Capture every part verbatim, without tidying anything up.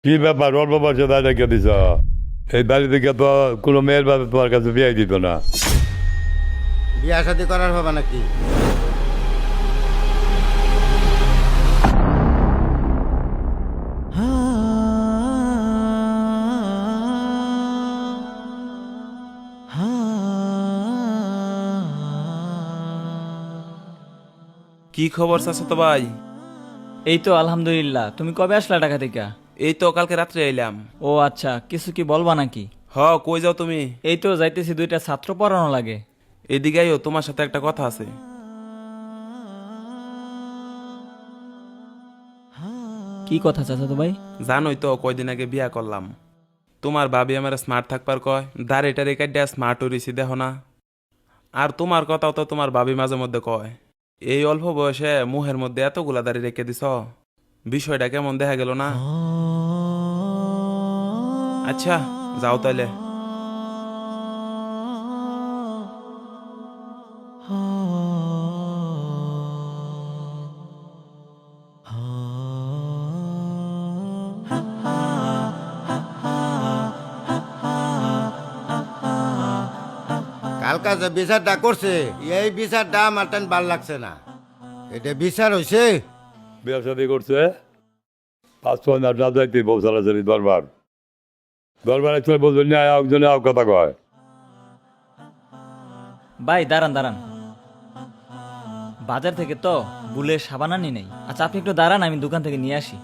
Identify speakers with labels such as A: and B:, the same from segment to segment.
A: কি ব্যাপার অল্প বয়সে দায় রেখে দিছ? এই বাড়ি থেকে তো কোনো মেয়ের বাবা তোমার কাছে বিয়ে দিত না।
B: বিয়া শাদি করার হবে নাকি?
C: কি খবর চাচা ভাই?
D: এই তো আলহামদুলিল্লাহ। তুমি কবে আসলা ঢাকা থেকে?
C: এই তো কালকে রাত্রে এলাম।
D: ও আচ্ছা, কিছু কি বলবা নাকি?
C: হ, কই যাও তুমি?
D: এই তো যাইতেছি, দুইটা ছাত্র পড়ানো লাগে।
C: এদিকে আইও, তোমার সাথে একটা কথা আছে।
D: কি কথা চাচা তো ভাই?
C: জানোই তো কয়দিন আগে বিয়া করলাম। তোমার ভাবি আমার স্মার্ট থাকবার কয়, দাঁড়িটা রেখে দেয়া স্মার্ট হইছি দেখো না। আর তোমার কথাও তো তোমার ভাবি মাঝে মধ্যে কয়। এই অল্প বয়সে মুহের মধ্যে এতগুলা দাড়ি রেখে দিছ, বিষয়টা কেমন দেখা গেল না? আচ্ছা যাও তাইলে।
B: কালকা যে বিচারটা করছে এই বিচারটা আমার তেন ভাল লাগছে না। এটা বিচার হইছে?
A: বিয়ে শাদি করছে পাঁচ ছয় মাস না যাইতে বউ সারাসারি দরবার দরবারে চলে বলবেন না একজনে আও কথা কয়।
D: ভাই দাঁড়ান দাঁড়ান, বাজার থেকে তো বুলের সাবান আনি নেই। আচ্ছা আপনি একটু দাঁড়ান, আমি দোকান থেকে নিয়ে আসি।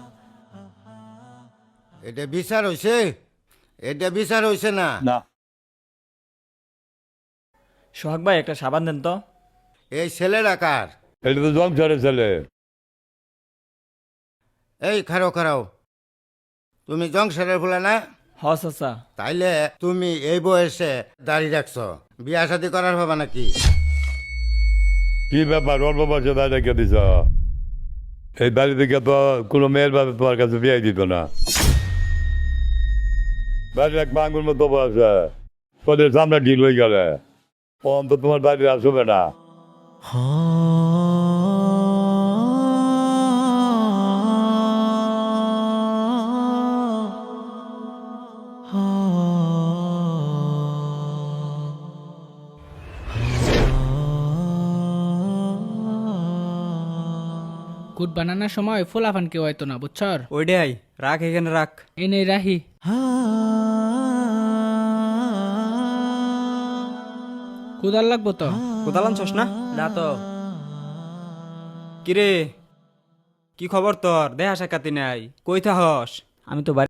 B: এটা বিচার হইছে? এটা বিচার হইছে না।
A: না
D: সোহাগ ভাই একটা সাবান দেন তো।
B: এই ছেলেরা কার?
A: এটা তো জংসারের ছেলে।
B: এই খারাও খারাও, তুমি জংশনের ফুলে না?
D: হ চাচা।
B: তাইলে তুমি এই বয়সে দাঁড়িয়ে রাখছ, বিয়া শাদি করার হবে নাকি?
A: কি ব্যাপার অল্প বয়সে দায় রেখে দিছ? এই বাড়ি থেকে তো কোনো মেয়ের বাবা তোমার কাছে বিয়ে দিত না। বাড়ির এক মাঙ্গুর মতো বয়সে তোদের সামনে ঢিল হয়ে গেলে অন্ত তোমার বাড়ি আসবে না।
E: কুট বানানোর সময় ফোলাফান কেউ হয়তো না, বুঝছর?
D: ওইটাই রাখ, এখানে রাখ।
E: এনে রাহি। কুদাল লাগবো তো?
D: কোথাও আনছস না? না তো। কিরে, কি খবর তোর? দেখা সাক্ষাৎ নাই, কই থাকস? আমি তো বাড়ি